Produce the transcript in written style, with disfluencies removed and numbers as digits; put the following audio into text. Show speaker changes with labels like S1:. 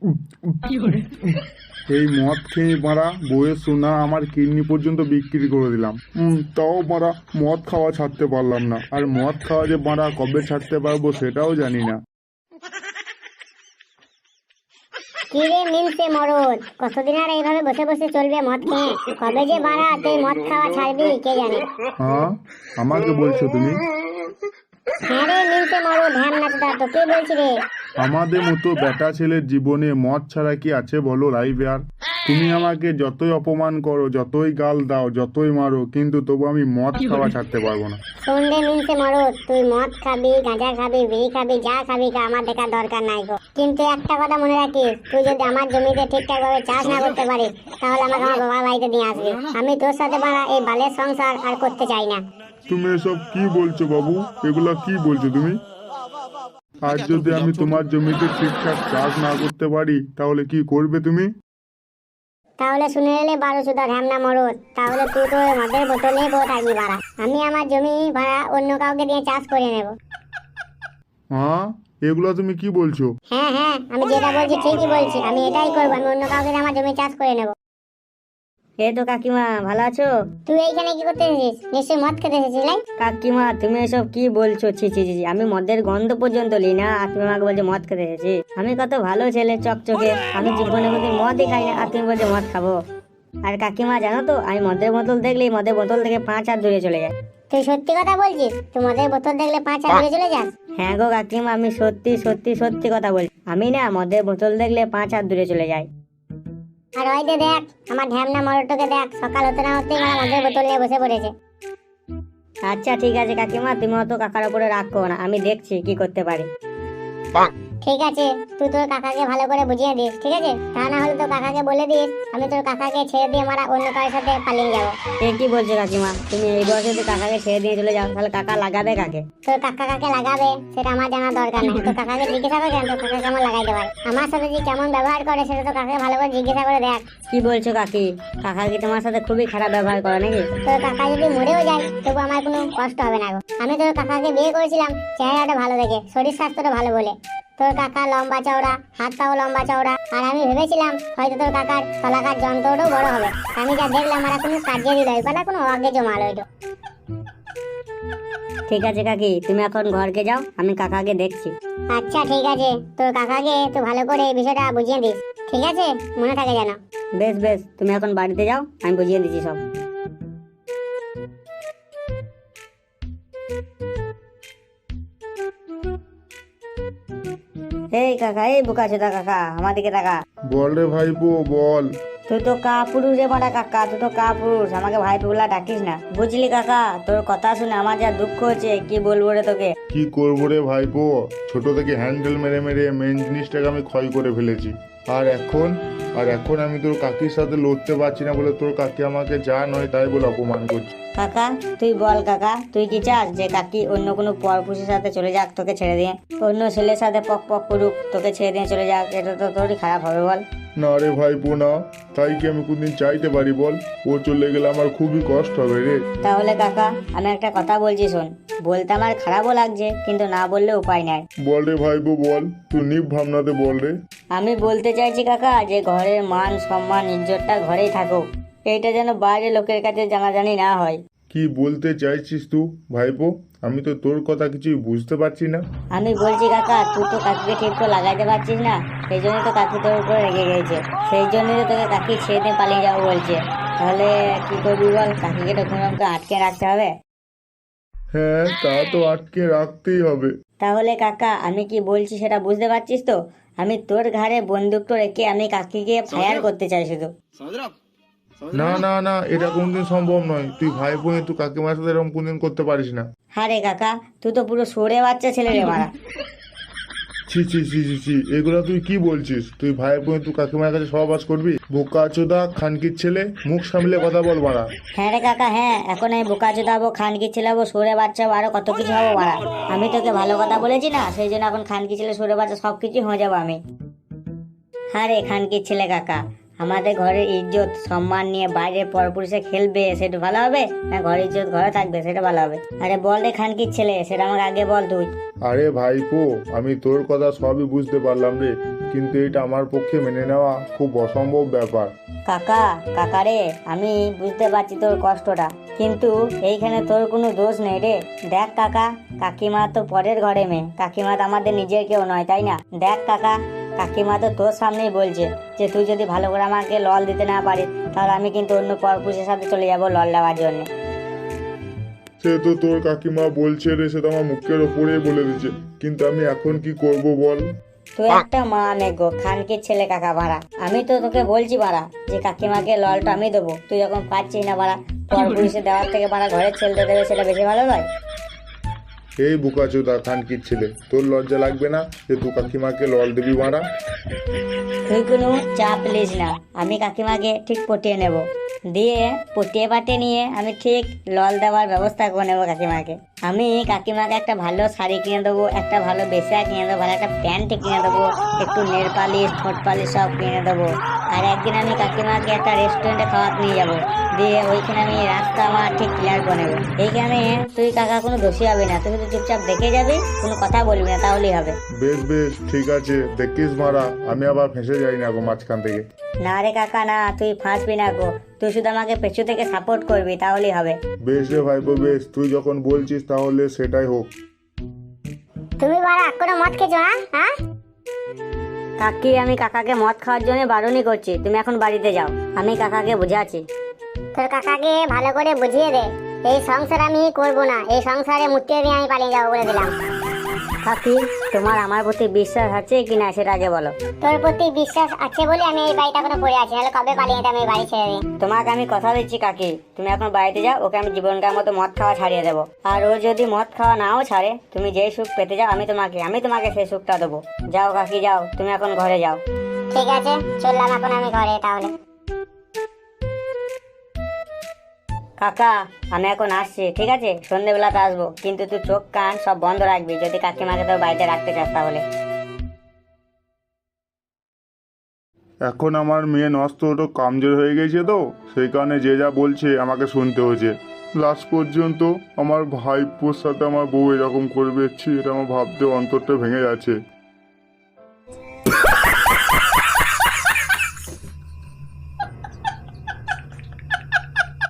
S1: এই মদ খেয়ে মারা বউয়ের সোনা আমার কিডনি পর্যন্ত বিক্রি করে দিলাম। তাও মারা মদ খাওয়া ছাড়তে পারলাম না। আর মদ খাওয়া যে মারা কবে ছাড়তে পারবো সেটাও জানি না।
S2: কি রে মিনসে মরদ, কতদিন আর এইভাবে বসে বসে চলবে মদ খেয়ে? কবে যে বাড়া তুই মদ খাওয়া ছাড়বি কে জানে।
S1: হ্যাঁ, আমাকে বলছো তুমি?
S2: হ্যাঁ রে মিনসে মরদ, ধ্যান নাচটা তোকে বলছি রে।
S1: আমাদের মতো বেটা ছেলের জীবনে মদ ছাড়া কি আছে বলো লাইভ আর? তুমি আমাকে যতই অপমান করো, যতই গাল দাও, যতই মারো, কিন্তু তবু আমি মদ খাওয়া ছাড়তে পারবো না।
S2: শোন রে মিনসে মরদ, তুই মদ খাবি, গাঁজা খাবি, বিড়ি খাবি, যা খাবি খা, আমার দেখার দরকার নাই গো। কিন্তু একটা কথা মনে রাখিস, তুই যদি আমার জমিতে ঠিকঠাক ভাবে চাষ না করতে পারিস তাহলে আমাকে আমার বাবার বাড়িতে নিয়ে আসবি। আমি তোর সাথে বাড়া এই বালের সংসার আর করতে চাই না।
S1: তুমি এসব কি বলছো বাবু? এগুলা কি বলছো তুমি? আজ যদি আমি তোমার জমিতে ঠিকঠাক চাষ না করতে পারি তাহলে কি করবে তুমি?
S2: তাহলে শুনে এলে বারো সুদা ঢ্যামনা মরদ, তাহলে তুই তো ওই মদের বোতল নিয়ে বসে থাকবি বাড়া। আমি আমার জমি ভাড়া অন্য কাউকে দিয়ে চাষ করে নেব।
S1: হ্যাঁ, এগুলা তুমি কি বলছো?
S2: হ্যাঁ হ্যাঁ, আমি যেটা বলছি ঠিকই বলছি, আমি এটাই করবো। আমি অন্য কাউকে দিয়ে আমার জমি চাষ করে নেব।
S3: এই তো কাকিমা, ভালো আছো?
S2: তুই এইখানে কি করতে এসেছিস? নিশ্চয়ই মদ খেতে এসেছিস লাই।
S3: কাকিমা তুমি এসব কি বলছো? ছি ছি ছি ছি, আমি মদের গন্ধ পর্যন্ত লি না, আর তুমি আমাকে বলছো মদ খেতে এসেছি? আমি কত ভালো ছেলে, চকচকে, আমি জীবনে কোনোদিন মদই খাই না, আর তুমি বলছো মদ খাবো? আর কাকিমা জানো তো, আমি মদের বোতল দেখলেই মদের বোতল থেকে 5 হাত দূরে চলে যায়।
S2: তুই সত্যি কথা বলছিস? তুই মদের বোতল দেখলে 5 হাত দূরে চলে যাস?
S3: হ্যাঁ গো কাকিমা, আমি সত্যি সত্যি সত্যি কথা বলছি। আমি না মদের বোতল দেখলে 5 হাত দূরে চলে যাই।
S2: আর ওই যে দেখ, আমার ঢ্যামনা মরদটাকে দেখ, সকাল হতে না হতেই আমার মদের বোতল নিয়ে বসে পড়েছে।
S3: আচ্ছা ঠিক আছে কাকিমা, তুমি অত কাকার উপরে রাগ করো না, আমি দেখছি কি করতে পারি।
S2: ঠিক আছে, তুই তোর কাকাকে ভালো করে বুঝিয়ে দিস, ঠিক আছে? তা না হলে তোর কাকাকে বলে দিস আমি তোর কাকাকে ছেড়ে দিয়ে মারা অন্য কারোর সাথে পালিয়ে যাবো।
S3: এ কি বলছো কাকিমা? তুমি এই বয়সে যদি কাকাকে ছেড়ে দিয়ে চলে যাও তাহলে কাকা লাগাবে কাকে?
S2: তোর কাকা কাকে লাগাবে সেটা আমার জানার দরকার নেই। তোর কাকাকে জিজ্ঞাসা করে তোর কাকা কেমন লাগাইতে পারে। আমার সাথে যে কেমন ব্যবহার করে সেটা তোর কাকাকে ভালো করে জিজ্ঞাসা করে দেখ।
S3: কি বলছো কাকি? কাকা কি তোমার সাথে খুবই খারাপ ব্যবহার করে নাকি?
S2: তোর কাকা যদি মরেও যায় তবু আমার কোনো কষ্ট হবে না গো। আমি তোর কাকাকে বিয়ে করেছিলাম চেহারাটা ভালো দেখে, শরীর স্বাস্থ্যটা ভালো বলে। তোর কাকা লম্বা চওড়া, হাত পাও লম্বা চওড়া, আর আমি ভেবেছিলাম হয়তো তোর কাকার তলাকার যন্ত্রটাও বড় হবে। আমি যা দেখলাম আর কোনো কাজে দিল এবার কোনো অভাগ্যে জমালো এটা।
S3: ঠিক আছে কাকি, তুমি এখন ঘরকে যাও, আমি কাকাকে দেখছি।
S2: আচ্ছা ঠিক আছে, তোর কাকাকে তো ভালো করে এই বিষয়টা বুঝিয়ে দিস, ঠিক আছে? মনে থাকে যেন।
S3: বেশ বেশ, তুমি এখন বাড়িতে যাও, আমি বুঝিয়ে দিচ্ছি সব। এই কাকা, এই বোকাচোদা কাকা, আমার দিকে তাকা।
S1: বল রে ভাইপো বল।
S3: তুই তো কাপুরুষ রে বড়া কাকা, তুই তো কাপুরুষ, আমাকে ভাই বলা ডাকিস না, বুঝলি কাকা? তোর কথা শুনে আমার যা দুঃখ হচ্ছে কি বলবো রে তোকে।
S1: কি করবো রে ভাইপো, ছোট থেকে হ্যান্ডেল মেরে মেরে মেন জিনিসটাকে আমি ক্ষয় করে ফেলেছি। আর এখন আমি তোর কাকির সাথে লড়তে পারছি না বলে তোর কাকি আমাকে যা নয় তাই বলে অপমান করছে।
S3: কাকা তুই বল কাকা, তুই কি চাস যে কাকি অন্য কোনো পরপুষের সাথে চলে যাক তোকে ছেড়ে দিয়ে? অন্য ছেলের সাথে পক পক করুক, তোকে ছেড়ে দিয়ে চলে যাক, এটা তো তোরই খারাপ হবে বল।
S1: না রে ভাইপো না, তাই কি আমি কোনদিন চাইতে পারি বল? ও চলে গেলে আমার খুবই কষ্ট হবে রে।
S3: তাহলে কাকা আমি একটা কথা বলছি শোন, বলতে আমার খারাপও লাগছে কিন্তু না বললে উপায় নাই।
S1: বল রে ভাইপো বল, তুই নিভ ভাবনাতে বল রে।
S3: আমি বলতে চাইছি কাকা যে ঘরের মান সম্মান ইজ্জতটা ঘরেই থাকুক, এইটা যেন বাইরে লোকের কাছে জানাজানি না হয়।
S1: কি বলতে চাইছিস তুই ভাইপো? আমি তো তোর কথা কিছুই বুঝতে পারছি না।
S3: আমি বলছি কাকা, তুই তো কাকিকে ঠিক করে লাগাইতে পারছিস না, সেই জন্যই তো কাকি তোর উপরে রেগে গেছে, সেই জন্যই তো তোকে কাকি ছেড়ে দিয়ে পালিয়ে যাবো বলছে। তাহলে কি করবি বল? কাকিকে তো কোনো রকম আটকে রাখতে হবে।
S1: হ্যাঁ, তা তো আটকে রাখতেই হবে।
S3: তাহলে কাকা আমি কি বলছি সেটা বুঝতে পারছিস তো? আমি তোর ঘাড়ে বন্দুকটা রেখে আমি কাকিকে ফায়ার করতে চাই শুধু।
S1: না না না, এটা কোনদিন সম্ভব নয়। তুই ভাইপো তুই কাকিমার সাথে এরকম কোনদিন করতে পারিস না।
S3: হ্যাঁ রে কাকা, তুই তো পুরো সরে বাচ্চা ছেলে রে মারা।
S1: ছি ছি ছি ছি ছি, এগুলো তুই কি বলছিস? তুই ভাইপো তুই কাকিমার কাছে সহবাস করবি? বোকা চোদা খানকির ছেলে, মুখ সামলে কথা বল মারা।
S3: হ্যাঁ রে কাকা, হ্যাঁ, এখন আমি বোকা চোদাবো, খানকি ছেলাবো, সরে বাচ্চা আরো কত কিছু হবো মারা। আমি তোকে ভালো কথা বলেছি না, সেই জন্য এখন খানকি ছেলে সরে বাচ্চা সবকিছু হয়ে যাবো আমি। হ্যাঁ রে খানকির ছেলে কাকা, আমাদের ঘরের ইজ্জত সম্মান নিয়ে বাইরে পরপুরুষে খেলবে সেটা ভালো হবে না ঘরের ইজ্জত ঘরে থাকবে সেটা ভালো হবে? আরে বল রে খানকির ছেলে, সেটা আমাকে আগে বল তুই।
S1: আরে ভাইপো, আমি তোর কথা সবই বুঝতে পারলাম রে, কিন্তু এটা আমার পক্ষে মেনে নেওয়া খুব অসম্ভব ব্যাপার।
S3: কাকা রে, আমি বুঝতে পারছি তোর কষ্টটা, কিন্তু এইখানে তোর কোনো দোষ নেই রে। দেখ কাকা, কাকিমা তো পরের ঘরে মেয়ে, কাকিমা তো আমাদের নিজের কেউ নয়, তাই না? দেখ কাকা, কাকিমা তো তোর সামনেই বলছে যে তুই যদি ভালো করে আমাকে লল দিতে না পারিস তাহলে আমি কিন্তু অন্য পরপুরুষের সাথে চলে যাব লল দেওয়ার জন্য।
S1: সে তো তোর কাকিমা বলছে রে, সে তো আমার মুখের ওপরেই বলে দিচ্ছে, কিন্তু আমি এখন কি করব বল?
S3: তুই একটা মা গো, খানকির ছেলে কাকা মারা। আমি তো তোকে বলছি মারা যে কাকিমাকে ললটা আমি দেবো, তুই যখন পাচ্ছিস না মারা, পরপুরুষে দেওয়ার থেকে মারা ঘরের ছেলেতে দেবে, সেটা বেশি ভালো নয়?
S1: এই বোকাচোদা খানকির ছেলে, তোর লজ্জা লাগবে না যে তুই কাকিমাকে লল দিবি মারা?
S3: তুই কোনো চাপ লিস না, আমি কাকিমাকে ঠিক পটিয়ে নেব, দিয়ে পটিয়ে পাটিয়ে নিয়ে আমি ঠিক লল দেওয়ার ব্যবস্থা করে নেবো কাকিমাকে। আমি কাকিমাকে একটা ভালো শাড়ি কিনে দেবো, একটা ভালো বেসা কিনে দেবো, ভালো একটা প্যান্ট কিনে দেবো, একটু নেল পালিশ ঠোঁট পালিশ সব কিনে দেবো। আর একদিন আমি কাকিমাকে একটা রেস্টুরেন্টে খাওয়াতে নিয়ে যাবো, দিয়ে ওইখানে আমি রাস্তা আমার ঠিক ক্লিয়ার করে নেবো। এইখানে তুই কাকা কোনো দোষী হবে না, তুই শুধু চুপচাপ দেখে যাবি, কোনো কথা বলবি না, তাহলেই হবে।
S1: বেশ বেশ ঠিক আছে, দেখিস মারা আমি আবার ফেঁসে যাই না গো মাঝখান থেকে।
S3: না রে কাকা না, তুই ফাঁসবি না গো, তুই শুধু আমাকে পেছু থেকে সাপোর্ট করবি, তাহলেই হবে।
S1: বেশ রে ভাইপো বেশ, তুই যখন বলছিস তাহলে সেটাই হোক।
S2: তুমি বাড়া কোনো মদ খেয়েছো না? হ্যাঁ,
S3: কাকি আমি কাকাকে মদ খাওয়ার জন্য বারণই করছি, তুমি এখন বাড়িতে যাও, আমি কাকাকে বুঝাচ্ছি।
S2: তোর কাকাকে ভালো করে বুঝিয়ে দে, এই সংসার আমি করব না, এই সংসারে মুক্তিয়ে দিয়ে আমি পালিয়ে যাবো বলে দিলাম।
S3: কাকি, তোমার আমার প্রতি বিশ্বাস আছে কি না সেটা আগে বলো।
S2: তোর প্রতি বিশ্বাস আছে বলে আমি এই বাড়িটা এখনো পড়ে আছি, নাহলে কবে পালিয়ে যেতাম এই বাড়ি ছেড়ে দিয়ে।
S3: তোমাকে আমি কথা দিচ্ছি কাকি, তুমি এখন বাড়িতে যাও, ওকে আমি জীবনকার মতো মদ খাওয়া ছাড়িয়ে দেবো। আর ও যদি মদ খাওয়া নাও ছাড়ে, তুমি যেই সুখ পেতে যাও আমি তোমাকে সেই সুখটা দেবো। যাও কাকি যাও, তুমি এখন ঘরে যাও।
S2: ঠিক আছে, চললাম এখন আমি ঘরে তাহলে।
S3: কাকা আমি এখন আসছি, ঠিক আছে? সন্ধ্যেবেলাতে আসবো, কিন্তু তুই চোখ কান সব বন্ধ রাখবি যদি কাকিমাকে তোর বাড়িতে রাখতে চাস তাহলে।
S1: এখন আমার মেয়ে নষ্ট ওটা কামজোর হয়ে গেছে, তো সেই কারণে যে যা বলছে আমাকে শুনতে হচ্ছে। লাস্ট পর্যন্ত আমার ভাইপোর সাথে আমার বউ এরকম করবে, এটা আমার ভাবতে অন্তরটা ভেঙে যাচ্ছে।